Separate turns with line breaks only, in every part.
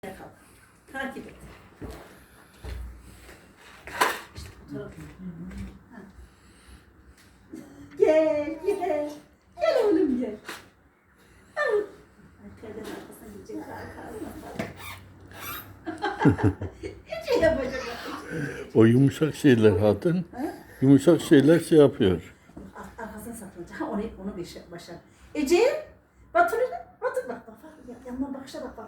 Kalk. Takip et. İşte bu taraf. Ha. Gel, gel. Gel oğlum gel. Al. Perdenin arkasına gidecek. Ece yapacak.
O yumuşak şeyler hatun.
Ha?
Yumuşak şeyler şey yapıyor.
Arkasına saklanacak. Ha onu başar. Ece, Batur bak bak. Yandan bakışa bak.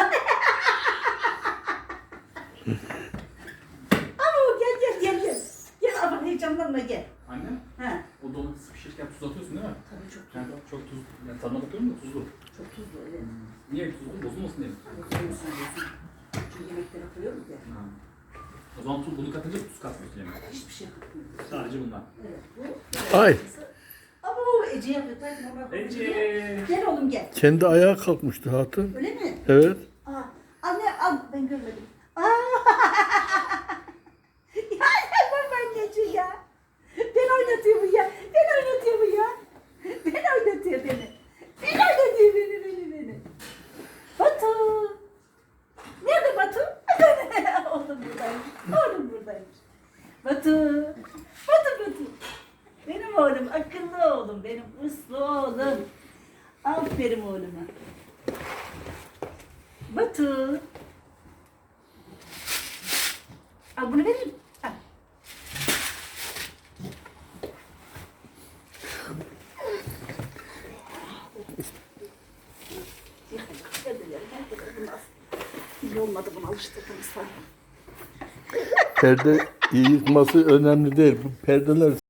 Aa gel. Gel ama heyecanlanma gel.
Anne,
Ha.
o domatesi pişirirken tuz atıyorsun değil mi?
Tabii çok
Yani çok tuz, yani tadına bakıyorum da tuzlu.
çok tuzlu evet.
Niye tuzlu? Bozulmasın diye mi?
Bozulmasın diyorsun. Çünkü yemeklere koyuyoruz ya.
Ha. O zaman bunu katınca tuz katmıyorsun yemeğe.
Hiçbir şey katmıyoruz.
Sadece bundan.
Evet bu.
Ay.
Ama Ece yapıyor.
Ece!
Gel oğlum gel.
Kendi ayağa kalkmıştı hatun.
Öyle mi?
Evet.
Aa, anne al ben görmedim. Ya babaanneciğim ya. Ben oynatıyor bu ya. Beni oynatıyor beni. Beni. Batu. Nerede Batu? Oğlum buradaymış. Batu. Benim oğlum, akıllı oğlum, benim uslu oğlum. Aferin oğluma. Batu. Al bunu vereyim. Al. İyi olmadı bunu alıştırdığımız falan.
Perde yıkması önemli değil. Bu perdeler